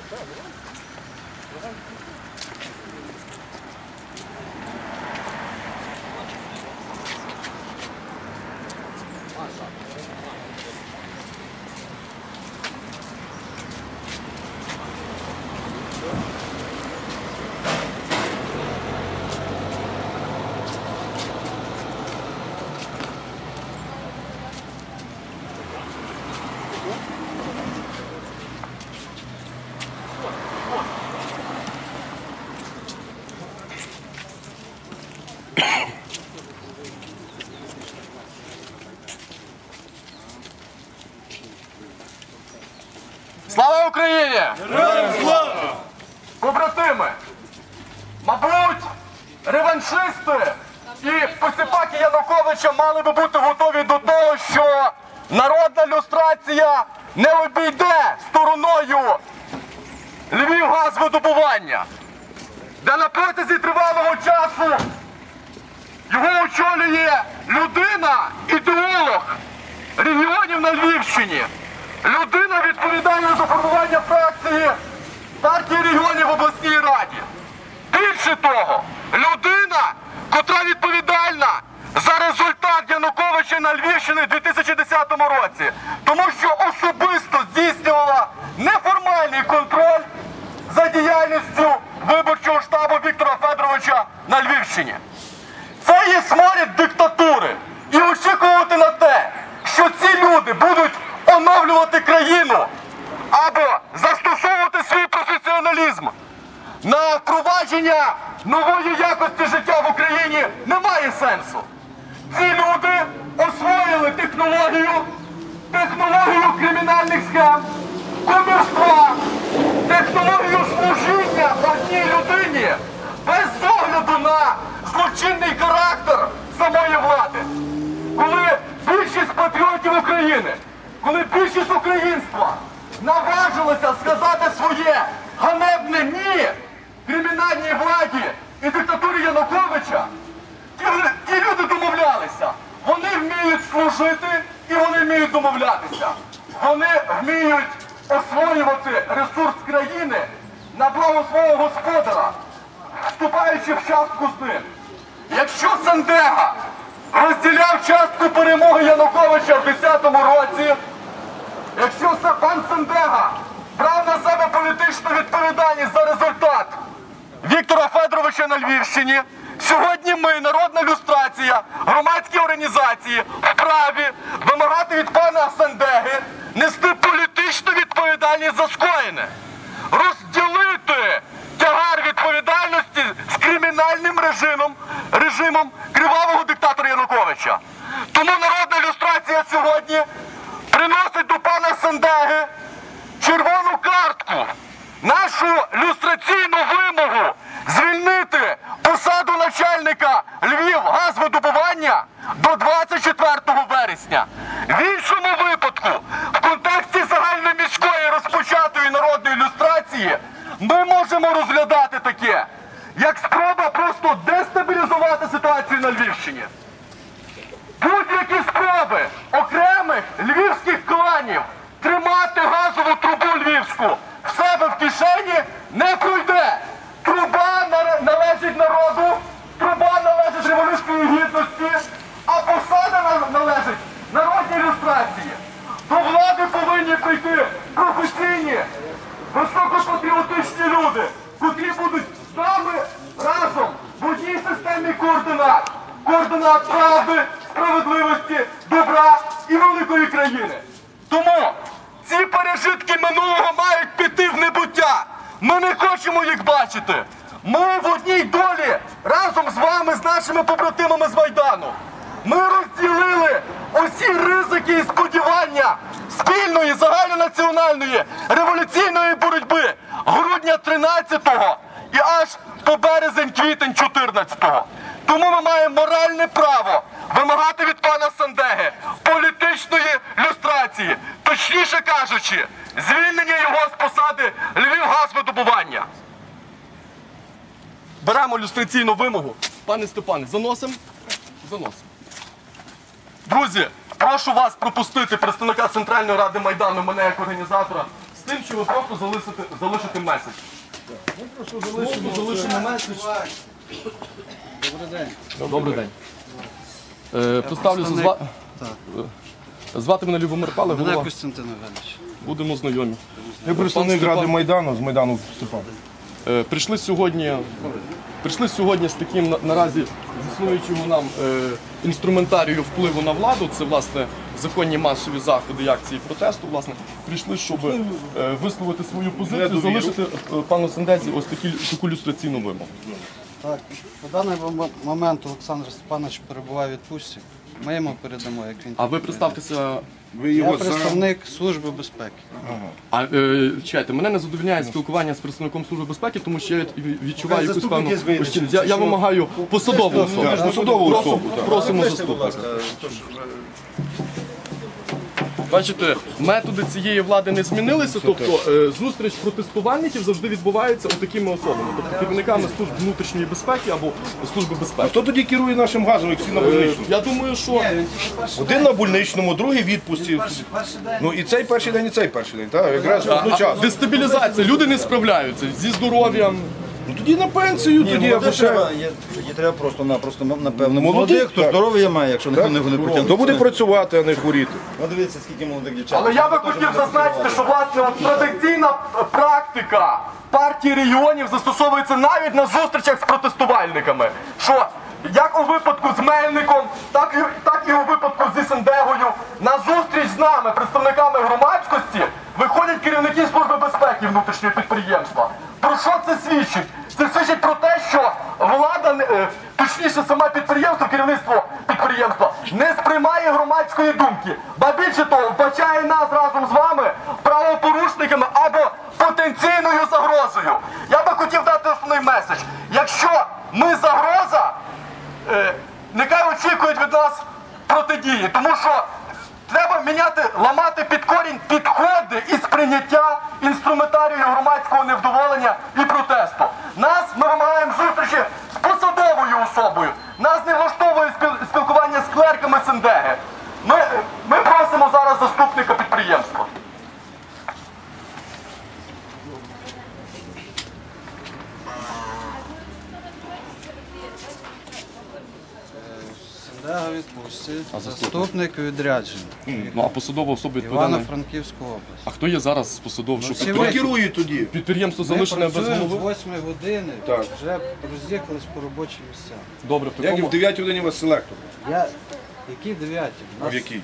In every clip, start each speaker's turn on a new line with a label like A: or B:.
A: Слава Україні!
B: Героям слава!
A: Побратими, мабуть, реваншисти і посіпаки Януковича мали би бути готові до того, що народна люстрація не обійде стороною Львівгазвидобування, де на протязі тривалого часу його очолює людина, ідеолог регіонів на Львівщині, людина, відповідальна за формування фракції партії регіонів в обласній раді. Більше того, людина, котра відповідальна за результат Януковича на Львівщині в 2010 році, тому що особисто здійснювала неформальний контроль за діяльністю виборчого штабу Віктора Федоровича на Львівщині. Це є сморід диктатури. І очікувати на те, що ці люди будуть оновлювати країну або застосовувати свій професіоналізм на впровадження нової якості життя в Україні, немає сенсу. Ці люди освоїли технологію кримінальних схем, кумівства, технологію служіння одній людині без огляду на злочинний характер самої влади. Коли більшість патріотів України, коли більшість українства наважилася сказати своє ганебне «ні» кримінальній владі і диктатурі Януковича, ті люди домовлялися. Вони вміють служити і вони вміють домовлятися. Вони вміють освоювати ресурс країни на благо свого господара, вступаючи в частку з ним. Якщо Сандега розділяв частку перемоги Януковича в 2010 році, якщо пан Сандега брав на себе політичну відповідальність за результат Віктора Федоровича на Львівщині, сьогодні ми, народна люстрація, громадські організації, вправі вимагати від пана Сандеги нести політичну відповідальність за скоєне, розділити тягар відповідальності з кримінальним режимом кривавого диктатора Януковича. Тому народна люстрація сьогодні приносить до пана Сандеги червону картку, нашу люстраційну вимогу звільнити посаду начальника Львівгазвидобування до 24 вересня. В іншому випадку, в контексті загальноміської розпочатої народної люстрації, ми можемо розглядати таке, як спроба просто дестабілізувати ситуацію на Львівщині. Будь-які спроби окремих львівських кланів тримати газову трубу львівську в себе в кишені не пройде. Труба належить народу, труба належить Революції Гідності, а посада належить народній люстрації. До влади повинні прийти професійні, високопатріотичні люди, котрі будуть з нами разом в одній системі координат. Координат правди, справедливості, добра і великої країни. Тому ці пережитки минулого мають піти в небуття. Ми не хочемо їх бачити. Ми в одній долі разом з вами, з нашими побратимами з Майдану. Ми розділили усі ризики і сподівання спільної загальнонаціональної революційної боротьби грудня 13-го і аж по березень-квітень 14-го. Тому ми маємо моральне право вимагати від пана Сандеги політичної люстрації, точніше кажучи, звільнення його з посади Львівгазвидобування. Беремо люстраційну вимогу. Пане Степане, заносимо? Заносимо. Друзі, прошу вас пропустити представника Центральної Ради Майдану, мене як організатора, з тим, що ви просто залишите меседж. Просто залишимо меседж.
B: Добрий день.
A: Добрий день. Представлюся, звати мене Любомир Пале,
B: Мене
A: голова.
B: Костянтин Євгенович.
A: Будемо знайомі.
C: Я представник Ради Майдану, з Майдану Степан.
A: Прийшли сьогодні з таким наразі існуючого нам інструментарію впливу на владу. Це, власне, законні масові заходи і акції протесту. Власне, прийшли, щоб висловити свою позицію, залишити пану Сендезі ось таку люстраційну вимогу.
B: Так, на даний момент Олександр Степанович перебуває у відпустці. Ми йому передамо, як він.
A: А ви представтеся.
C: Ви
B: Я
C: його
B: представник Служби безпеки.
A: Чекайте, мене не задовольняє спілкування з представником Служби безпеки, тому що я відчуваю якусь певну...
C: заступник є з
A: Я вимагаю посадову особу.
C: посадову особу, так.
A: Просимо заступника. Бачите, методи цієї влади не змінилися, тобто зустріч протестувальників завжди відбувається такими особами, тобто керівниками служб внутрішньої безпеки або Служби безпеки.
C: Хто тоді керує нашим газом, як всі на больничному?
A: Я думаю, що
C: Один на больничному, другий в відпустці. Ну і цей перший день, і цей перший день, так? Якраз одночасно.
A: дестабілізація, люди не справляються зі здоров'ям.
C: Ну тоді на пенсію, тоді або ще.
D: Їй треба просто-напросто, напевно,
C: Молодих,
D: молодих, хто
C: так.
D: здоров'я має, якщо ніхто не потягне.
C: Хто буде працювати, а не хворіти?
D: Ну дивіться, скільки молодих дівчат.
A: Але я би хотів зазначити, що власне от традиційна практика партії регіонів застосовується навіть на зустрічах з протестувальниками. Що як у випадку з Мельником, так і у випадку з Ісендегою, на зустріч з нами, представниками громадськості, виходять керівники Служби безпеки внутрішнього підприємства. Про що це свідчить? Це свідчить про те, що влада, точніше саме підприємство, керівництво підприємства, не сприймає громадської думки. Ба більше того, вбачає нас разом з вами правопорушниками або потенційною загрозою. Я би хотів дати основний меседж. Якщо ми загроза, нехай очікують від нас протидії, тому що треба міняти, ламати під корінь підходи і сприйняття інструментарію громадського невдоволення і протесту. Ми вимагаємо зустрічі з посадовою особою. Нас не влаштовує спілкування з клерками Сендеги. Ми просимо зараз заступника підприємства.
B: Сендега у відпустці, заступник у відрядженні.
A: Ну, а посадова особа відповідає.
B: Івано-Франківська область.
A: А хто є зараз посадовий? Що
B: всі
C: Хто керує тоді?
A: підприємство
B: Ми
A: залишене без
B: працюємо
A: голови?
B: з 8 години,
C: Так.
B: вже роз'їхались по робочим місцям.
A: Добре, в
C: Як і
A: такому...
C: в 9 годині у вас селектор?
B: Які 9?
C: А в якій?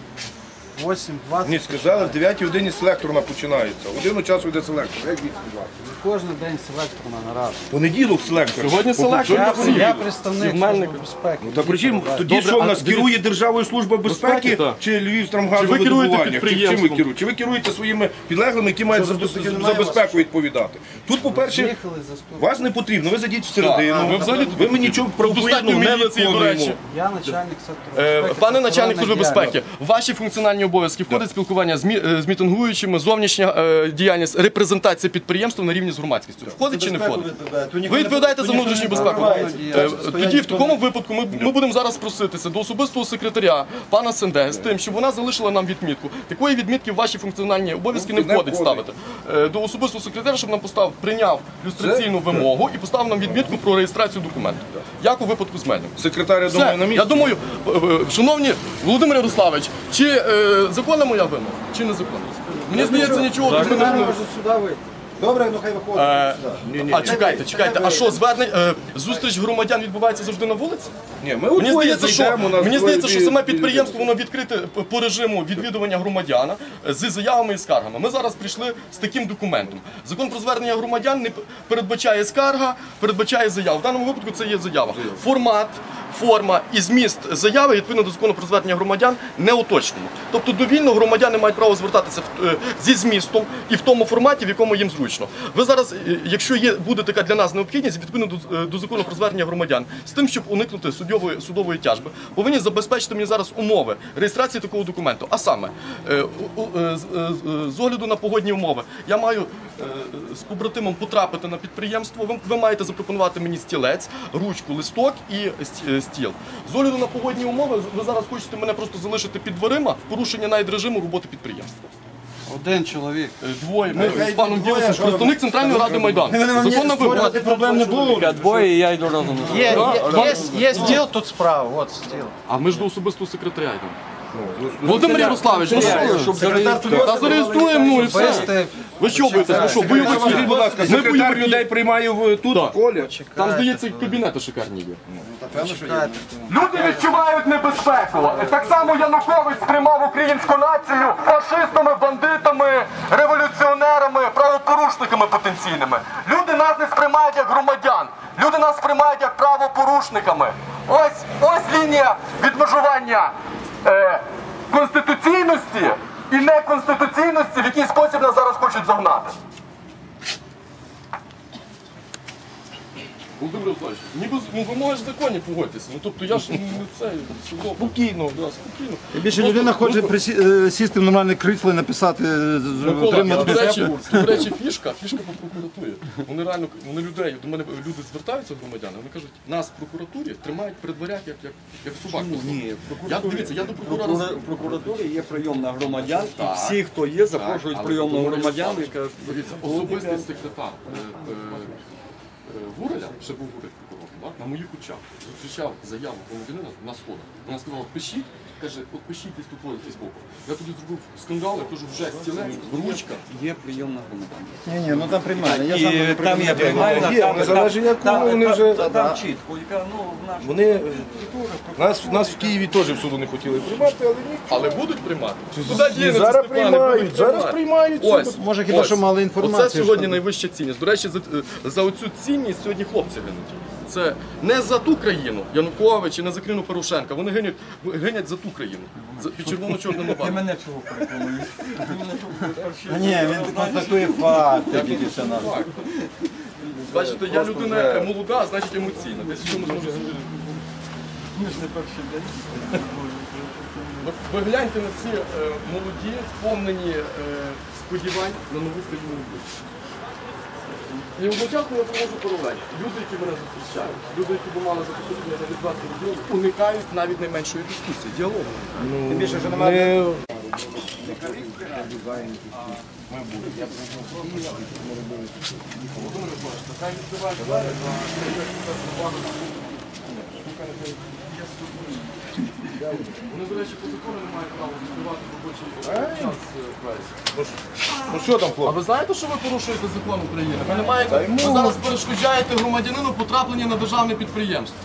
B: 8-20.
C: Ні, сказали, в 9 годині селекторна починається. Годину часу йде селектор. Як 8-20?
B: Кожен день селекторна нарада.
C: Понеділок селектор.
A: Сьогодні селектор.
B: Я представник
A: Мельник.
B: Служби безпеки.
C: Та причому тоді
A: Добре,
C: що в
A: а
C: нас
A: дивіться-
C: керує Державою служба безпеки
A: Безпеки, так.
C: чи
A: Чи ви керуєте
C: Львівстрамгазовидобування? Чим ви
A: підприємством?
C: керуєте? Чи ви керуєте своїми підлеглими, які мають за безпеку відповідати? Тут, по-перше,
B: Приїхали заступник.
C: вас не потрібно, ви зайдіть всередину.
A: Ви взагалі тут
C: ви мені нічого правопорядного
A: достатньо
C: не
A: міліції, до речі.
C: виконуємо.
B: Я начальник сектору безпеки.
A: Пане начальник
B: охорони
A: Служби безпеки,
B: діяльності.
A: в ваші функціональні обов'язки входить спілкування з мітингуючими, зовнішня діяльність, репрезентація підприємства на рівні з громадськістю. Входить чи не входить? Ви відповідаєте за внутрішню безпеку. Тоді в такому випадку ми будемо зараз проситися до особистого секретаря пана Сенде з тим, щоб вона залишила нам відмітку. Такої відмітки в ваші функціональні обов'язки не входить ставити. До особистого секретаря, щоб нам прийняв люстраційну вимогу і поставив нам відмітку про реєстрацію документів. Як у випадку з Мельником.
C: Секретар, я
A: Все.
C: думаю, на місці.
A: Я думаю, шановні Володимир Ярославович, чи законна моя вимога, чи не законна? Мені здається, нічого тут не можна.
B: Сюди вийти.
D: Добре, ну хай виходить.
A: А чекайте, а що, зустріч громадян відбувається завжди на вулиці?
C: Ні, ми
A: Мені
C: удвоє
A: здається,
C: зайдемо, нас
A: мені здається, що
C: двоє
A: саме
C: біля-
A: підприємство воно відкрите по режиму відвідування громадяна з заявами і скаргами. Ми зараз прийшли з таким документом. Закон про звернення громадян не передбачає скарга, передбачає заяву. В даному випадку це є заява. Формат, форма і зміст заяви відповідно до закону про звернення громадян не уточнено. Тобто довільно громадяни мають право звертатися зі змістом і в тому форматі, в якому їм зручно. Ви зараз, якщо буде така для нас необхідність, відповідно до закону про звернення громадян, з тим, щоб уникнути судової тяжби, повинні забезпечити мені зараз умови реєстрації такого документу. А саме, з огляду на погодні умови, я маю з побратимом потрапити на підприємство, ви маєте запропонувати мені стілець, ручку, листок і стіл. З огляду на погодні умови, ви зараз хочете мене просто залишити під дверима в порушення навіть режиму роботи підприємства.
B: Один чоловік.
E: Двоє. Ми з паном Ділосом, представник Центральної ради Майдану. Законна вимога.
D: Проблем не було.
F: Двоє, я йду разом.
B: Є стіл тут справа, от стіл.
E: А ми ж до особистого секретаря йдемо. Володимир Ярославович, ну що? Щоб та зареєструємо, ну і все.
B: Вести
E: Ви що боїтеся? Ну що, бойовики?
C: Скажіть, будь ласка,
E: Ми
C: секретар
E: бойовики.
C: людей приймає тут,
E: Так.
C: в колі?
E: Там, здається, кабінети шикарні є.
A: Люди відчувають небезпеку. Так само Янукович сприймав українську націю фашистами, бандитами, революціонерами, правопорушниками потенційними. Люди нас не сприймають як громадян. Люди нас сприймають як правопорушниками. Ось лінія відмежування конституційності і неконституційності, в який спосіб нас зараз хочуть загнати.
E: Володимир Ярославович, ніби вимоги ж законні, погодьтеся. Ну тобто я ж не це, спокійно, да, спокійно.
D: Більше людина хоче сісти в нормальне крісло і написати,
E: Микола,
D: отримати.
E: до речі, фішка по прокуратурі. Вони реально, вони людей, до мене люди звертаються громадяни, вони кажуть, нас в прокуратурі тримають при дверях, як собак.
F: Ні,
E: Дивіться, я до прокурора...
F: в прокуратурі є прийомна громадян, і всі, хто є, запрошують прийомну громадян, яка...
E: Дивіться, особистий секретар Гуреля, ще був Гурель прокурор, так, на моїх очах зустрічав заяву громадянина на сходах. Вона сказала, пишіть, каже, от пишіть десь тут з боку. Я тоді зробив скандал, я кажу, вже стілець, ручка.
F: Є прийомна громадян.
D: Ні, ну там приймальна. Я сам
F: І там є приймальна,
C: Є, не залежить якому, вони вже...
F: там чітко, яка, ну, в нашому...
C: Вони... Нас в Києві теж в суду не хотіли приймати, але ні.
E: Але будуть приймати? Куди дінеться,
C: Зараз
E: Степане,
C: приймають,
E: будуть
C: зараз
E: приймати.
C: приймають.
E: Ось,
D: Може, хіба що мали інформацію,
E: Оце сьогодні
D: що-
E: найвища цінність. До речі, за оцю цінність сьогодні хлопці гинуть. Це не за ту країну Янукович і не за країну Порошенка. Вони гинять за ту країну. Під червоно-чорними
F: Ти
E: барвами.
F: мене чого переконуєш?
D: Ні, він констатує факти, тільки все надо.
E: Бачите, я людина молода, значить емоційна. Десь в чомусь можу собі.
F: Ми ж не перший день.
E: Ви гляньте на ці молоді, сповнені сподівань на нову країну. І одночасно я проводжу паралель. Люди, які мене зустрічають, люди, які б мали запитання на відверту відділу, уникають навіть найменшої дискусії, діалогу.
D: Тим більше, що немає...
E: Вони, до речі, по закону не мають права відкривати робочий час пресі.
C: Ну що там,
E: А
C: хлопці?
E: ви знаєте, що ви порушуєте закон України? Ви не маєте, ви зараз перешкоджаєте громадянину потраплення на державне підприємство.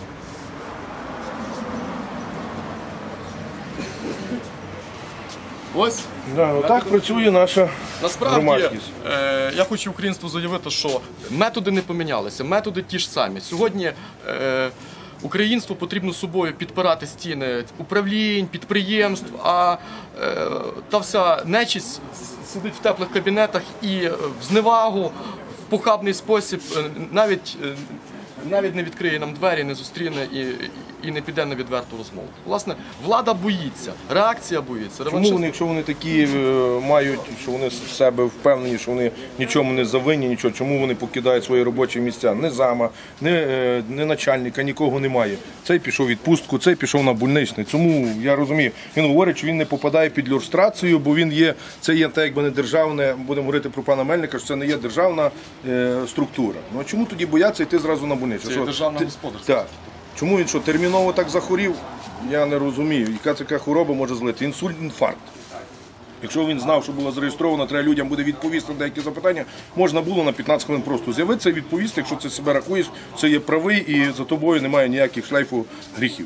E: Ось.
C: Да, отак працює наша
E: Насправді,
C: громадськість.
E: я хочу українству заявити, що методи не помінялися, методи ті ж самі. Сьогодні українству потрібно собою підпирати стіни управлінь, підприємств, а та вся нечисть сидить в теплих кабінетах і в зневагу, в похабний спосіб навіть не відкриє нам двері, не зустріне і не піде на відверту розмову. Власне, влада боїться, реакція боїться.
C: Чому вони, якщо вони такі мають, що вони з себе впевнені, що вони нічому не завинні, нічого, чому вони покидають свої робочі місця? Ні зама, ні начальника, нікого немає. Цей пішов у відпустку, цей пішов на больничний. Тому я розумію, він говорить, що він не попадає під люстрацію, бо він є, це є так, якби не державне, будемо говорити про пана Мельника, що це не є державна структура. Ну а чому тоді бояться йти зразу на больничний?
E: Це є державна господарська.
C: Так. Чому він що, терміново так захворів? Я не розумію. Яка така хвороба може злити? Інсульт, інфаркт. Якщо він знав, що було зареєстровано, треба людям буде відповісти на деякі запитання, можна було на 15 хвилин просто з'явитися і відповісти, якщо це себе рахуєш, це є правий і за тобою немає ніяких шлейфу гріхів.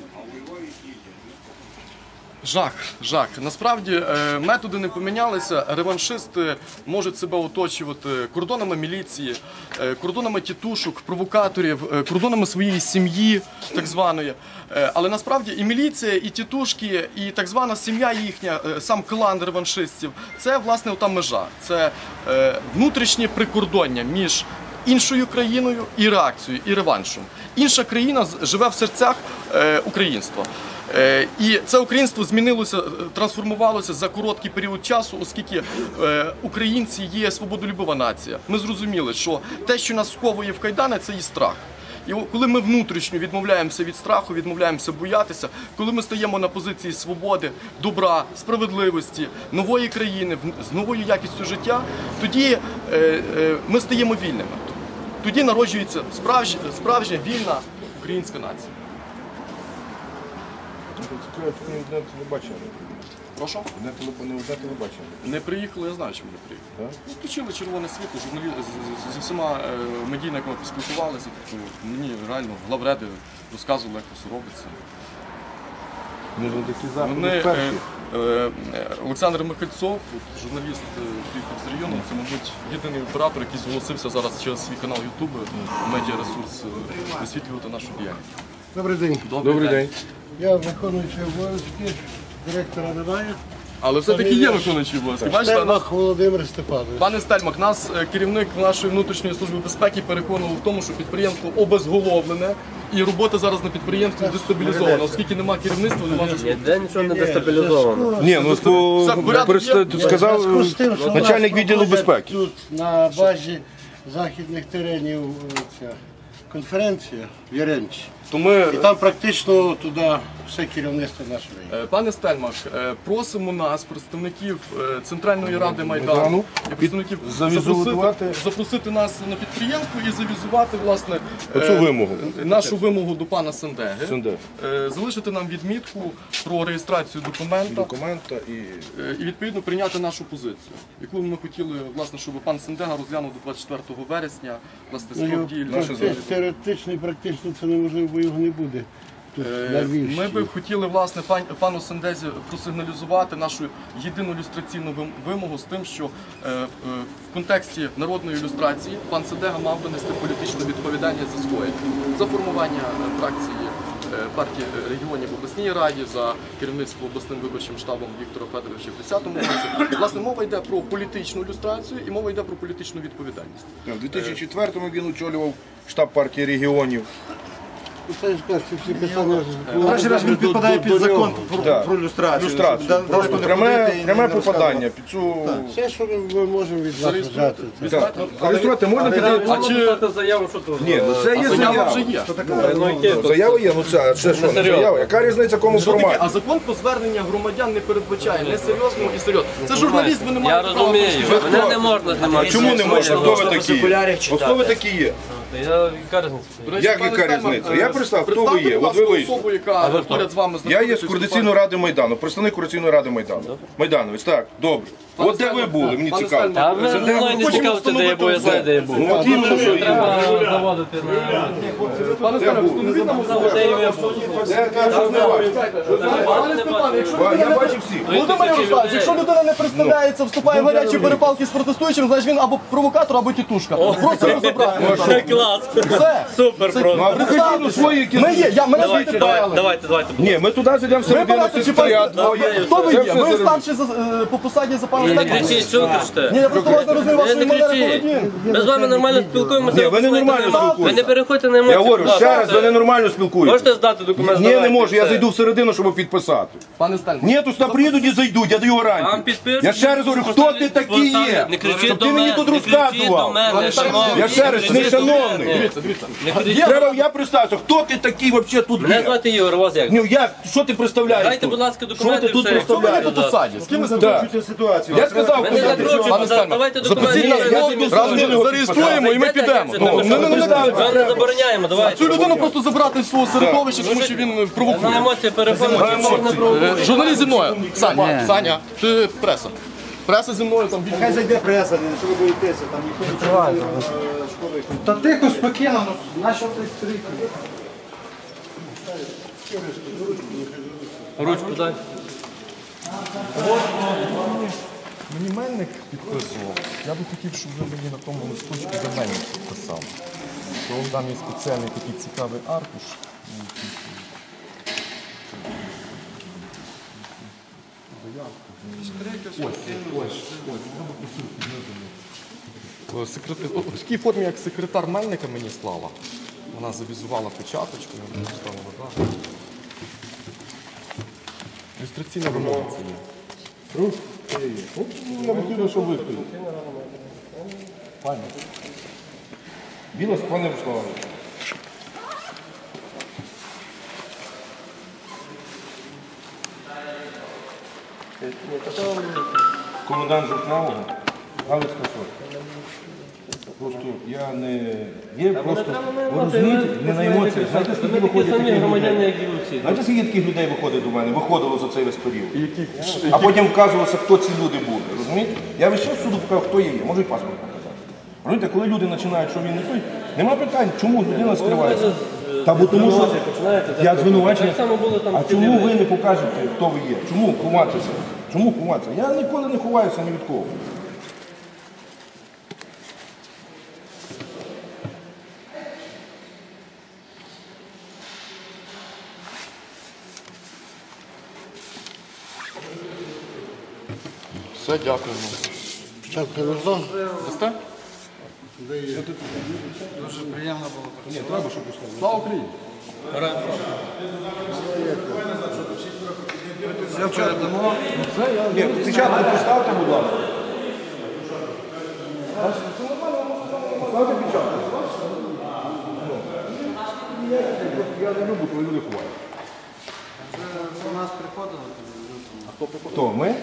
E: Жах. Насправді методи не помінялися. Реваншисти можуть себе оточувати кордонами міліції, кордонами тітушок, провокаторів, кордонами своєї сім'ї, так званої. Але насправді і міліція, і тітушки, і так звана сім'я їхня, сам клан реваншистів – це, власне, ота межа. Це внутрішнє прикордоння між іншою країною і реакцією, і реваншем. Інша країна живе в серцях українства. І це українство змінилося, трансформувалося за короткий період часу, оскільки українці є свободолюбива нація. Ми зрозуміли, що те, що нас сковує в кайдани, це і страх. І коли ми внутрішньо відмовляємося від страху, відмовляємося боятися, коли ми стаємо на позиції свободи, добра, справедливості, нової країни, з новою якістю життя, тоді ми стаємо вільними. Тоді народжується справжня вільна українська нація.
C: Не телебачення.
E: Прошу?
C: Не телебачення.
E: Не приїхали, я знаю, чому не приїхали. Ну, включили червоне світло, зі всіма медійниками поспілкувалися. Тобто мені реально главреди розказували, як це все робиться. Олександр Михальцов, журналіст приїхав з району, це, мабуть, єдиний оператор, який зголосився зараз через свій канал YouTube, медіаресурс, висвітлювати нашу діяльність.
G: Добрий день.
E: Добрий день.
G: Я виконуючий обов'язки, директора немає.
E: Але все-таки є виконуючий обов'язки.
G: Штельмах Володимир Степанович.
E: Пане Стельмах, нас керівник нашої внутрішньої служби безпеки переконував в тому, що підприємство обезголовлене і робота зараз на підприємстві дестабілізована, оскільки немає керівництва, немає заступника.
H: Ніде нічого не дестабілізовано.
C: Ні, ну сказав начальник відділу безпеки.
G: Тут на базі західних теренів ця конференція в Яремчі. І там практично туди все керівництво нашої.
E: Пане Стельмах, просимо нас, представників Центральної Ради Майдану, і представників запросити нас на підприємство і завізувати, власне, нашу вимогу до пана Сендеги. Залишити нам відмітку про реєстрацію документа і відповідно прийняти нашу позицію, яку ми хотіли, власне, щоб пан Сендега розглянув до 24 вересня, власне, строк дії.
G: Теоретично і практично це неможливо, бо його не буде.
E: Ми би хотіли, власне, пану Сендезі просигналізувати нашу єдину люстраційну вимогу з тим, що в контексті народної ілюстрації пан Сендега мав би нести політичну відповідальність за скоєння, за формування фракції партії регіонів в обласній раді, за керівництво обласним виборчим штабом Віктора Федоровича в 2010 році. Власне, мова йде про політичну ілюстрацію і мова йде про політичну відповідальність.
C: У 2004-му він очолював штаб партії регіонів.
G: Всі питання
D: Він підпадає під закон про люстрацію.
C: Просто пряме попадання під цю...
G: Все, що ми можемо від вас взяти.
C: Зареєструвати можна під...
H: А чи написати заяву, що тут?
C: Ні, ну це є
E: Заява вже
C: заява.
E: є.
C: Заява є, ну це ще що, не заява. Яка різниця кому форматі?
E: А закон про звернення громадян не передбачає несерйозного і серйозного. Це журналіст, ви не
H: Я
E: маєте права.
H: розумію, мене не можна знімати.
C: Чому не можна? Хто ви такі є? От хто ви такі є?
H: Яка різниця?
C: Як яка різниця? Я представ, хто ви є? От ви вийшли.
E: Особу, яка поряд з вами
C: Я є з Координаційної ради Майдану, представник Координаційної ради Майдану. Майдановець, так, добре. От де ви були, мені цікаво.
H: А ви мною не цікавите, де я був, я знаю, де я був.
C: Ну от іменно, що є.
H: Треба заводити на...
E: Пане Степане, встановіть нам особу.
H: Де я був?
C: Де я щось не бачу.
E: Пане Степане, якщо
C: Я бачив всіх.
E: Володимир Ярославович, якщо людина не представляється, вступає в гарячі перепалки з протестуючим, значить він або провокатор, або тітушка. Просто розібрати.
H: Клас!
E: Все.
H: Супер просто!
C: Ну, а покажіть ну, свої якісь...
E: Ми є, мене звідти брали.
H: Давайте.
C: Ні, ми туди зайдемо
E: Ви
C: всередину
E: берете чи
C: секретаріат.
E: Хто ви
C: Це
E: є?
C: все
E: Ви
C: зараз.
E: старший по посаді за пана
H: Не
E: Степана?
H: кричіть, що ви кричите?
E: Ні, я просто вас не розумію вашої
H: Не
E: манери
H: кричіть!
E: поведінки.
H: Ми з вами нормально спілкуємося.
C: Ні, ви не нормально
H: Ви
C: спілкуєтеся.
H: не переходьте на
C: Я
H: емоції.
C: говорю,
H: будь ласка.
C: ще раз, ви ненормально спілкуєтеся.
H: Можете здати документ?
C: Ні, не
H: Давайте,
C: можу, я
H: все.
C: зайду всередину, щоб підписати.
E: Пане Стельмах.
C: Ні, то сюди приїдуть і зайдуть, я даю
H: Вам
C: гарантію.
H: підпишуть,
C: Я ще раз говорю, хто ти такий є?
H: Не кричіть
C: Щоб
H: до
C: ти мені
H: мене,
C: тут
H: не кричіть до
C: розказував.
H: мене, шановний.
C: Я ще раз,
H: Не
C: не
H: кричіть до
C: шановний.
H: мене.
E: Дивіться.
H: Не кричіть.
C: Треба, я представився, хто ти такий взагалі тут
H: Мене
C: є?
H: звати Ігор, у вас як?
C: Ну я, що ти представляєш
H: Дайте,
C: тут?
H: будь ласка,
C: Що
H: документи.
C: ти тут
H: все.
C: представляєш?
E: По посаді. З ким ви
C: Так. Я сказав,
H: Мене
C: хто ти.
H: закручують, давайте документи.
E: Зареєструємо і ми підемо.
H: Ми не забороняємо, давайте.
E: Цю людину просто забрати з свого середовища, тому що він
H: На
E: провокує.
H: емоції переходимо.
E: Журналіст зі мною. Саня, ти преса. Преса зі мною там більше.
D: Хай зайде преса, що ви боїтеся, там ніхто не школи.
B: Та тихо, спокійно, наші ти стрійки.
H: Ручку дай.
E: Мені Мельник підписував. Я би хотів, щоб ви мені на тому листочку за Мельник підписали. То там є спеціальний такий цікавий аркуш. В такій формі, як секретар Мельника мені склала. Вона завізувала печаточку, я мені ставила дату. Ілюстраційна вимога це є.
C: Не потрібно, що ви тут. Білос, пане Руслане. Комендант Жовтневого, Галицька сотня. Просто я не є, просто ви розумієте, не на емоціях. Знаєте, скільки виходить
H: самі
C: таких
H: громадяни,
C: людей?
H: як і ви всі.
C: Знаєте, скільки таких людей виходить до мене, виходило за цей весь період? А потім вказувалося, хто ці люди були, розумієте? Я весь час суду показав, хто є, можу і паспорт показати. Розумієте, коли люди починають, що він не той, нема питань, чому людина скривається. Та бо тому що я звинувачення. А чому ви не покажете, хто ви є? Чому ховатися? Чому ховатися? Я ніколи не ховаюся ні від кого.
E: Все, дякуємо.
G: Спочатку Лозон.
E: Дасте?
B: Дуже приємно було.
E: Слава Україні!
B: Все передамо.
C: Ні, спочатку поставте, будь ласка. Поставте печатку. Я не люблю, коли люди ховають.
B: До нас приходили.
C: Хто, ми?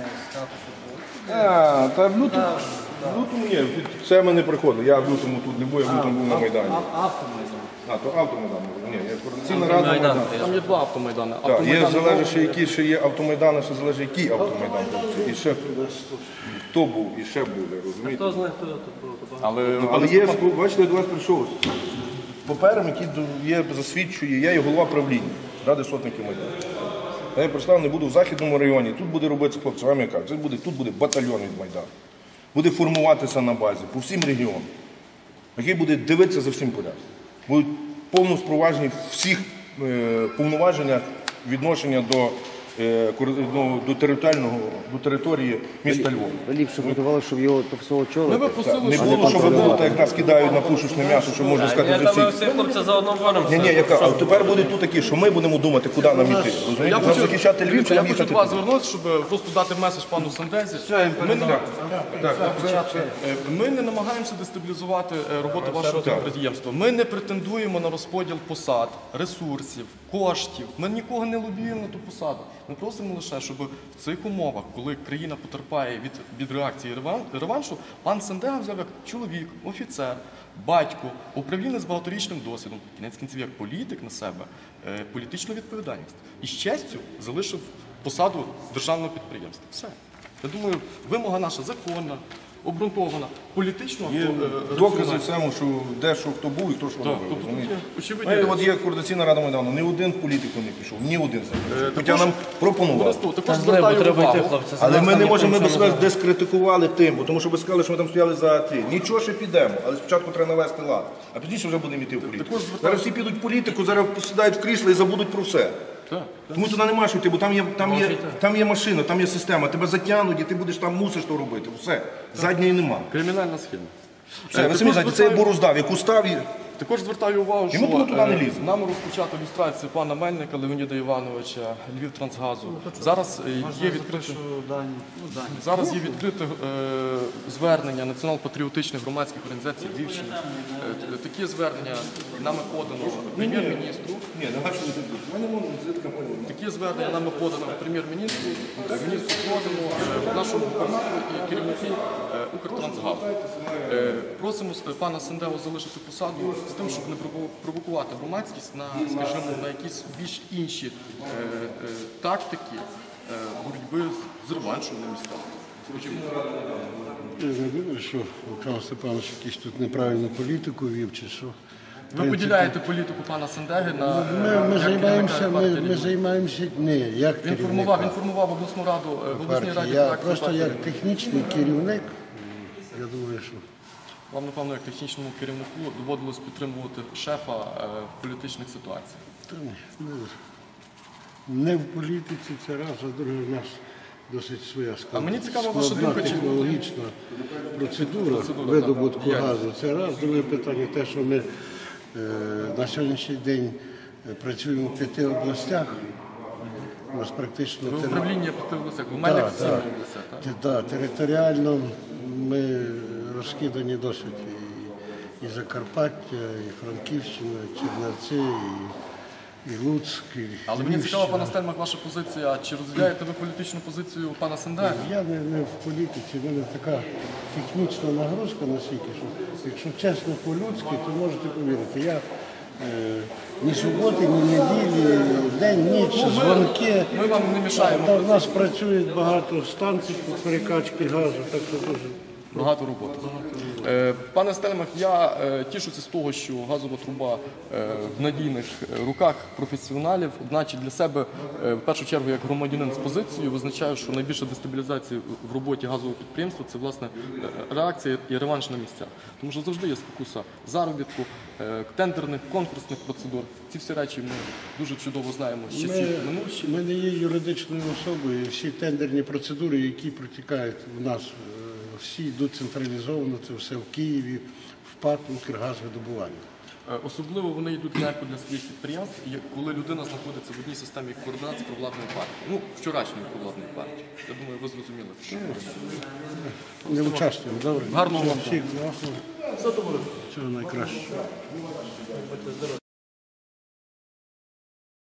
C: Та в лютому ні, це ми не приходили. Я в лютому тут не був, я в лютому був на Майдані.
B: Автомайдан.
C: А, то автомайдан. Ні, я координаційна рада Майдану.
E: Там є два автомайдани.
C: Так, є залежить, ще які ще є автомайдани, ще залежить, який автомайдан. І ще хто був, і ще буде, розумієте?
H: Хто знає, хто тут був?
C: Але є, бачите, я до вас прийшов з папером, який є, засвідчує, я є голова правління Ради сотників Майдану. Я представлений буду в Західному районі, тут буде робитися хлопці, вам я кажу, тут буде батальйон від Майдану. Буде формуватися на базі по всім регіонам, який буде дивитися за всім порядком. Будуть повно спроваджені всіх повноваженнях відношення до території міста Львова.
I: Ви ліпше готували, щоб його топсово
E: Ми
I: очолити?
E: би просили,
C: Не
E: щоб
C: було, щоб було, так як нас кидають на пушечне м'ясо, що можна сказати
H: Я
C: вже
H: там ми
C: всі.
H: всі хлопці заодно боремося.
C: Ні, яка, а тепер буде тут такі, що ми будемо думати, куди нам йти. Розумієте? Нам захищати Львів, чи
E: я
C: нам
E: хочу
C: їхати
E: до вас
C: туди.
E: звернутися, щоб просто дати меседж пану Сандезі. Ми не намагаємося дестабілізувати роботу вашого підприємства. Ми не претендуємо на розподіл посад, ресурсів, коштів. Ми нікого не лобіюємо на ту посаду. Ми просимо лише, щоб в цих умовах, коли країна потерпає від реакції реваншу, пан Сандега взяв як чоловік, офіцер, батько, управлінець з багаторічним досвідом, кінець кінців як політик на себе, політичну відповідальність. І з честю залишив посаду державного підприємства. Все. Я думаю, вимога наша законна, обґрунтована, політично.
C: Є докази цьому, що де що хто був і хто що робив. розумієте? От є координаційна рада Майдану, ні один в політику не пішов, ні один з них. Хоча нам пропонували.
E: Також звертаю увагу.
C: Але ми не можемо, ми б себе дискредитували тим, бо тому що ви сказали, що ми там стояли за ті. Нічого, ще підемо, але спочатку треба навести лад, а пізніше вже будемо йти в політику. Зараз всі підуть в політику, зараз посідають в крісло і забудуть про все. Тому туди нема що йти, бо там є машина, там є система, тебе затягнуть і ти будеш там мусиш то робити. Все. Задньої нема.
E: Кримінальна схема.
C: Все, ви самі знаєте, це є бороздав, яку став і...
E: Також звертаю увагу, що
C: туди не ліземо.
E: нам розпочато люстрацію пана Мельника Леоніда Івановича, Львівтрансгазу. Зараз є відкрите звернення націонал-патріотичних громадських організацій Львівщини. Такі звернення нами подано прем'єр-міністру. Такі звернення нами подано прем'єр-міністру, міністру Продину, нашому губернатору і керівники Укртрансгазу. Просимо пана Сандегу залишити посаду з тим, щоб не провокувати громадськість на, скажімо, на якісь більш інші тактики боротьби з реваншем на містах.
G: Я не думаю, що Олександр Степанович якийсь тут неправильну політику вів, чи що.
E: Ви поділяєте політику пана Сандеги на
G: Ми займаємося не як керівника.
E: Він формував обласну раду, в обласній раді
G: Я
E: фракцію
G: просто
E: партії.
G: як технічний керівник, я думаю, що
E: Вам, напевно, як технічному керівнику доводилось підтримувати шефа в політичних ситуаціях.
G: не в політиці це раз, а друге в нас досить своя
E: А мені цікава ваша думка, чи
G: технологічна процедура видобутку газу. Це раз. Друге питання те, що ми на сьогоднішній день працюємо в 5 областях. У нас практично
E: ви управління в областях, в мене в 7 областях, так?
G: Територіально ми розкидані досить і Закарпаття, і Франківщина, і Чернівці, і Луцьк, і
E: Але мені
G: Львівщина.
E: цікава, пане Стельмах, ваша позиція. Чи розділяєте ви політичну позицію пана Сендера?
G: Я не в політиці, в мене така технічна нагрузка настільки, що якщо чесно по-людськи, то можете повірити. Я ні суботи, ні неділі, день, ніч, дзвонки.
E: Ми вам не мішаємо.
G: Та в нас працює багато станцій по перекачці газу, так що дуже.
E: Багато роботи. Пане Стельмах, я тішуся з того, що газова труба в надійних руках професіоналів. Одначе для себе, в першу чергу, як громадянин з позицією, визначаю, що найбільша дестабілізація в роботі газового підприємства – це, власне, реакція і реванш на місцях. Тому що завжди є спокуса заробітку, тендерних, конкурсних процедур. Ці всі речі ми дуже чудово знаємо з часів минувших.
G: Ми не є юридичною особою, і всі тендерні процедури, які протікають в нас, всі йдуть централізовано, це все в Києві, в ПАТ «Укргазвидобування».
E: Особливо вони йдуть легко для своїх підприємств, і коли людина знаходиться в одній системі координат з провладною партією. Ну, вчорашньою провладною партією. Я думаю, ви зрозуміли.
G: Не участвуємо, добре?
E: Гарного вам дня.
G: Всіх благ. Всього найкращого.